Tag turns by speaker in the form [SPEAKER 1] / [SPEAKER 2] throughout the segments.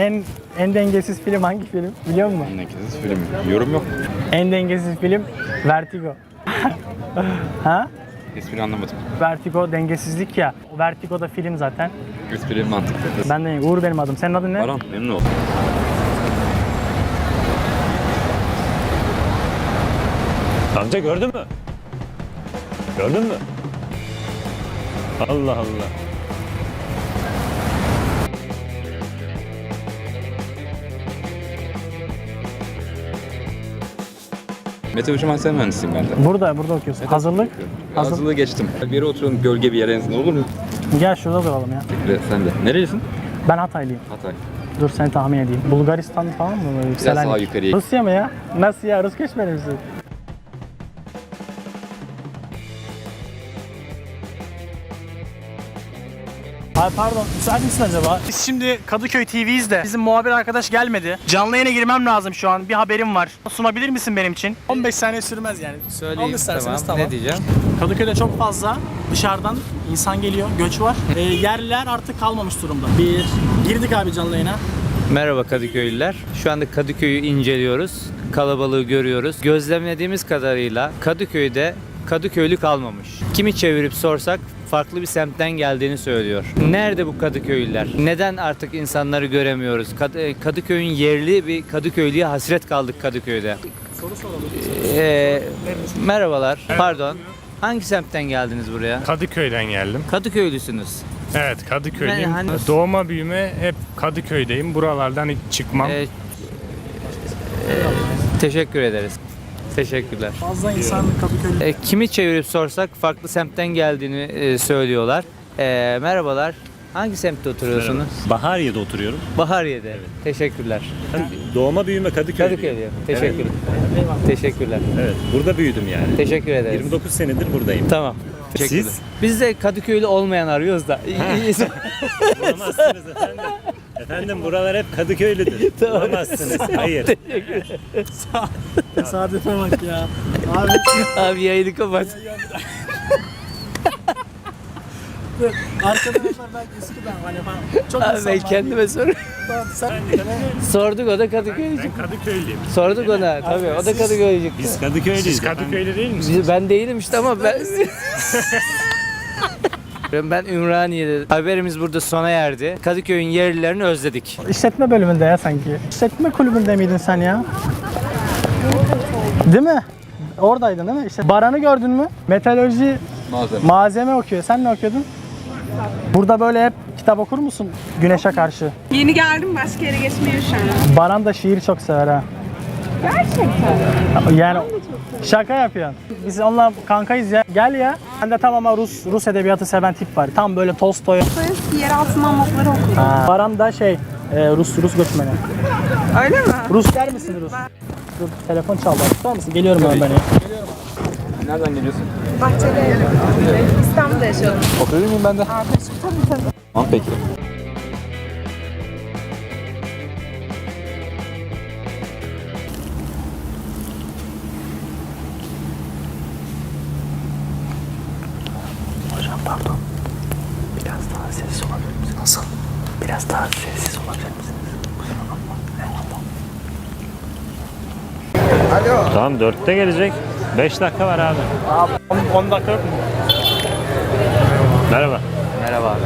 [SPEAKER 1] En dengesiz film hangi film? Biliyor musun?
[SPEAKER 2] En dengesiz film. Yorum yok.
[SPEAKER 1] En dengesiz film Vertigo. Ha?
[SPEAKER 2] Espri anlamadım.
[SPEAKER 1] Vertigo dengesizlik ya. Vertigo da film zaten.
[SPEAKER 2] Espri mantıklı.
[SPEAKER 1] Ben de Uğur benim adım. Senin adın ne?
[SPEAKER 2] Baran, memnun oldum.
[SPEAKER 3] Amca gördün mü? Gördün mü? Allah Allah.
[SPEAKER 2] Mete Uçum Hasan mühendisiyim ben de.
[SPEAKER 1] Burada okuyorsun. Hazırlık.
[SPEAKER 2] Hazırlığı geçtim. Bir yere oturalım, gölge bir yere en olur mu?
[SPEAKER 1] Gel şurada duralım ya.
[SPEAKER 2] Ve sen de. Nerelisin?
[SPEAKER 1] Ben Hataylıyım.
[SPEAKER 2] Hatay.
[SPEAKER 1] Dur seni tahmin edeyim. Bulgaristan falan mı? Böyle yükselen.
[SPEAKER 2] daha yukarıya.
[SPEAKER 1] Rusya mı ya? Nasıl ya? Rus geçmedi misin? Ay pardon, müsait misin acaba? Biz şimdi Kadıköy TV'yiz de bizim muhabir arkadaş gelmedi. Canlı yayına girmem lazım şu an. Bir haberim var. Sunabilir misin benim için? 15 saniye sürmez yani.
[SPEAKER 4] Söyleyeyim,
[SPEAKER 1] İsterseniz
[SPEAKER 4] tamam. Ne diyeceğim?
[SPEAKER 1] Kadıköy'de çok fazla dışarıdan insan geliyor, göç var. Yerler artık kalmamış durumda. Girdik abi canlı yayına.
[SPEAKER 4] Merhaba Kadıköylüler. Şu anda Kadıköy'ü inceliyoruz. Kalabalığı görüyoruz. Gözlemlediğimiz kadarıyla Kadıköy'de Kadıköylü kalmamış. Kimi çevirip sorsak farklı bir semtten geldiğini söylüyor. Nerede bu Kadıköylüler? Neden artık insanları göremiyoruz? Kadıköy'ün yerli bir Kadıköylüye hasret kaldık Kadıköy'de.
[SPEAKER 1] Soru soralım.
[SPEAKER 4] Merhabalar. Pardon. Hangi semtten geldiniz buraya?
[SPEAKER 5] Kadıköy'den geldim.
[SPEAKER 4] Kadıköylüsünüz.
[SPEAKER 5] Evet, Kadıköy'deyim.
[SPEAKER 4] Hani-
[SPEAKER 5] Doğma büyüme hep Kadıköy'deyim. Buralardan hiç çıkmam.
[SPEAKER 4] Teşekkür ederiz. Teşekkürler.
[SPEAKER 1] Fazla insan Kadıköy'de.
[SPEAKER 4] Kimi çevirip sorsak farklı semtten geldiğini söylüyorlar. Merhabalar. Hangi semtte oturuyorsunuz?
[SPEAKER 3] Bahariye'de oturuyorum.
[SPEAKER 4] Bahariye'de. Teşekkürler.
[SPEAKER 3] Doğma büyüme Kadıköy'deyim.
[SPEAKER 4] Kadıköy'de. Teşekkür. Teşekkürler.
[SPEAKER 3] Evet, burada büyüdüm yani.
[SPEAKER 4] Teşekkür ederiz.
[SPEAKER 3] 29 senedir buradayım.
[SPEAKER 4] Tamam. Teşekkürler.
[SPEAKER 3] Siz?
[SPEAKER 4] Biz de Kadıköylü olmayan arıyoruz da.
[SPEAKER 3] Bulamazsınız efendim. Efendim buralar hep Kadıköylüdür. Bulamazsınız. Hayır.
[SPEAKER 1] Tesadüfe bak ya. Abi
[SPEAKER 4] Abi yayını kapat.
[SPEAKER 1] arkadaşlar belki eskiden hani falan. Çok
[SPEAKER 4] Abi
[SPEAKER 1] insan
[SPEAKER 4] ben
[SPEAKER 1] var.
[SPEAKER 4] kendime soruyorum.
[SPEAKER 1] Sen
[SPEAKER 4] Sorduk o da Kadıköylücük.
[SPEAKER 5] Ben Kadıköylüyüm.
[SPEAKER 4] Sorduk ona tabii o da Kadıköylücük.
[SPEAKER 3] Biz Kadıköylüyüz.
[SPEAKER 5] Siz Kadıköy'de değil misiniz?
[SPEAKER 4] Ben değilim işte ama ben... Ben Ümraniye'de. Haberimiz burada sona erdi. Kadıköy'ün yerlilerini özledik.
[SPEAKER 1] İşletme bölümünde ya sanki. İşletme kulübünde miydin sen ya? Değil mi? Oradaydın değil mi? İşte Baran'ı gördün mü? Metalurji malzeme okuyor. Sen ne okuyordun? Burada böyle hep kitap okur musun güneşe karşı?
[SPEAKER 6] Yeni geldim, başka yere geçmeye üşendim.
[SPEAKER 1] Baran da şiir çok sever ha.
[SPEAKER 6] Gerçekten.
[SPEAKER 1] Yani şaka yapıyorsun. Biz onunla kankayız ya. Gel ya. Ben de tam ama Rus edebiyatı seven tip var. Tam böyle Tolstoy.
[SPEAKER 6] Yeraltı mamutları okudum.
[SPEAKER 1] Baran da Rus göçmeni.
[SPEAKER 6] Öyle mi?
[SPEAKER 1] Rus der misin Rus? Dur, telefon çaldı. Tutar mısın? Geliyorum ben beni.
[SPEAKER 2] Nereden geliyorsun?
[SPEAKER 6] Bahçede İstanbul'da yaşıyorum.
[SPEAKER 2] Oturur muyum ben de?
[SPEAKER 6] Arkadaşım tabii.
[SPEAKER 2] Tamam peki.
[SPEAKER 1] Hocam pardon. Biraz daha sessiz olabilir misiniz? Nasıl? Biraz daha sessiz olabilir misiniz? Kusura bakma. Eyvallah.
[SPEAKER 3] Tamam 4'te gelecek. 5 dakika var abi.
[SPEAKER 1] Abi 10 dakika yok mu?
[SPEAKER 3] Merhaba.
[SPEAKER 4] Merhaba abi.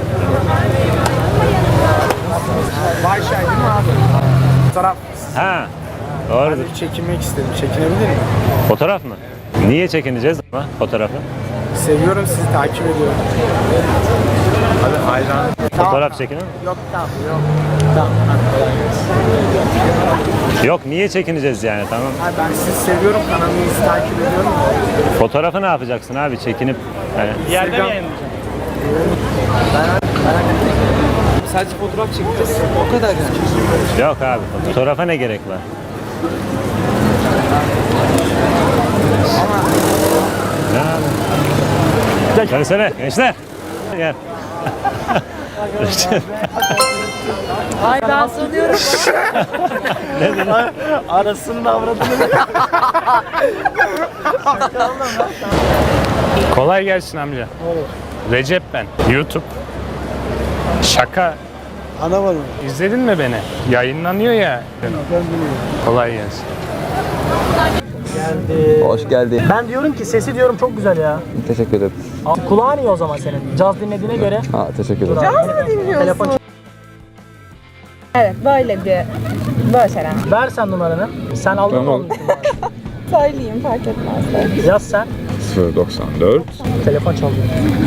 [SPEAKER 1] Vayşay değil mi abi? Fotoğraf.
[SPEAKER 3] Ha. Doğrudur.
[SPEAKER 1] Çekinmek istedim. Çekinebilir miyim?
[SPEAKER 3] Fotoğraf mı? Niye çekineceğiz ama fotoğrafı?
[SPEAKER 1] Seviyorum sizi, takip ediyorum. Abi hayran.
[SPEAKER 3] Fotoğraf çekinin mi?
[SPEAKER 1] Yok tamam yok. Tamam.
[SPEAKER 3] Yok niye çekineceğiz yani tamam.
[SPEAKER 1] Abi ben sizi seviyorum, kanalınızı takip ediyorum.
[SPEAKER 3] Fotoğrafı ne yapacaksın abi çekinip yani.
[SPEAKER 1] Yerde mi yayınlayacağım?
[SPEAKER 4] Sadece fotoğraf çekeceğiz. O kadar yani.
[SPEAKER 3] Yok abi fotoğrafa ne gerek var? Ne abi? Gelsene gençler. Gel.
[SPEAKER 6] Ay ben sanıyorum.
[SPEAKER 1] Arasının avradını.
[SPEAKER 5] Kolay gelsin amca. Recep ben. YouTube. Şaka
[SPEAKER 7] Anlamadım.
[SPEAKER 5] İzledin mi beni? Yayınlanıyor ya. Kolay gelsin.
[SPEAKER 2] Hoş geldin.
[SPEAKER 1] Ben diyorum ki sesi diyorum çok güzel ya.
[SPEAKER 2] Teşekkür ederim.
[SPEAKER 1] Kulağın iyi o zaman senin. Caz dinlediğine göre.
[SPEAKER 2] Ha, teşekkür ederim.
[SPEAKER 6] Caz mı dinliyorsun?
[SPEAKER 1] Telefon.
[SPEAKER 6] Evet böyle şeyler.
[SPEAKER 1] Ver sen numaranı. Sen aldın mı
[SPEAKER 2] Tamam.
[SPEAKER 1] onun için?
[SPEAKER 6] Söyleyeyim fark etmez.
[SPEAKER 1] Yaz sen.
[SPEAKER 2] 094.
[SPEAKER 1] Telefon çalıyor.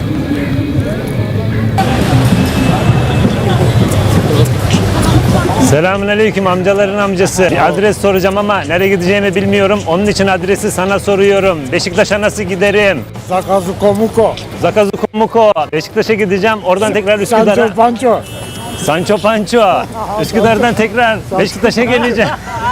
[SPEAKER 3] Selamünaleyküm amcaların amcası. Bir adres soracağım ama nereye gideceğimi bilmiyorum. Onun için adresi sana soruyorum. Beşiktaş'a nasıl giderim?
[SPEAKER 7] Zakazu Komuko.
[SPEAKER 3] Zakazu Komuko. Beşiktaş'a gideceğim. Oradan tekrar Üsküdar'a.
[SPEAKER 7] Sancho Pancho.
[SPEAKER 3] Sancho Pancho. Üsküdar'dan tekrar Beşiktaş'a geleceğim.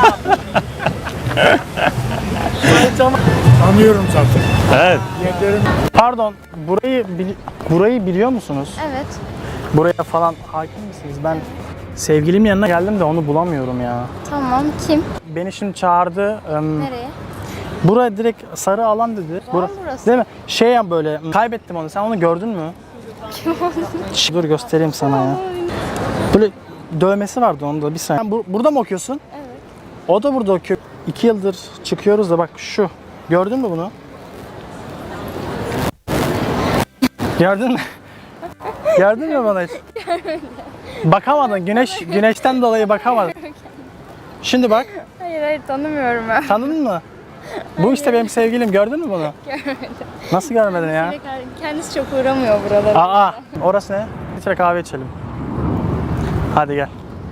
[SPEAKER 7] Tanıyorum zaten.
[SPEAKER 3] Evet.
[SPEAKER 1] Pardon, burayı biliyor musunuz?
[SPEAKER 8] Evet.
[SPEAKER 1] Buraya falan hakim misiniz? Ben sevgilim yanına geldim de onu bulamıyorum ya.
[SPEAKER 8] Tamam. Kim?
[SPEAKER 1] Beni şimdi çağırdı.
[SPEAKER 8] Nereye?
[SPEAKER 1] Buraya direkt sarı alan dedi.
[SPEAKER 8] Burası.
[SPEAKER 1] Değil mi? Şey ya böyle kaybettim onu. Sen onu gördün mü? Dur göstereyim sana ya. Böyle dövmesi vardı onda bir saniye. Sen burada mı okuyorsun?
[SPEAKER 8] Evet.
[SPEAKER 1] O da burada okuyor. 2 yıldır çıkıyoruz da bak şu. Gördün mü bunu? Gördün mü? Gördün mü bana hiç? Bakamadın. Güneşten dolayı bakamadın. Şimdi bak.
[SPEAKER 8] Hayır tanımıyorum ben.
[SPEAKER 1] Tanıdın mı? Bu işte benim sevgilim. Gördün mü bunu?
[SPEAKER 8] Görmedim.
[SPEAKER 1] Nasıl görmedin ya?
[SPEAKER 8] Kendisi çok uğramıyor buralara.
[SPEAKER 1] Aa, orası ne? Bir kahve içelim. Hadi gel.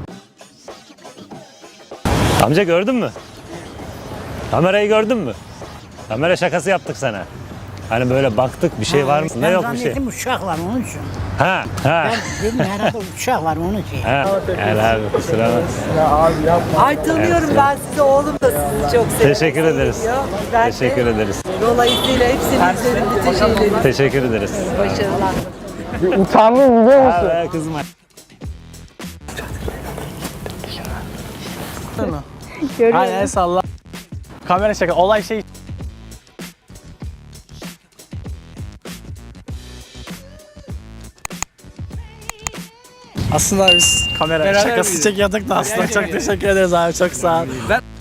[SPEAKER 3] Amca gördün mü? Kamerayı gördün mü? Kamera şakası yaptık sana. Hani böyle baktık bir şey var mı? Ne yok bir şey.
[SPEAKER 9] Zannettim uçak var onun için.
[SPEAKER 3] Ha ha.
[SPEAKER 9] Dedim herhalde uçak var onun için.
[SPEAKER 3] Ha. Gel abi kusura bakma.
[SPEAKER 10] Ay tanıyorum ben sizi, oğlum da sizi çok seviyor.
[SPEAKER 3] Teşekkür ederiz.
[SPEAKER 10] Ben
[SPEAKER 3] Teşekkür ederiz.
[SPEAKER 10] Dolayısıyla hepsini izledim, bütün şeyleri.
[SPEAKER 3] Teşekkür ederiz.
[SPEAKER 10] Başarılar.
[SPEAKER 1] Utandım biliyor musun?
[SPEAKER 3] Abi kızma.
[SPEAKER 1] Aynen el salla. Kamera şaka. Olay şey. Aslında biz kamera şakası çekiyorduk da aslında çok teşekkür ederiz abi, çok sağ ol.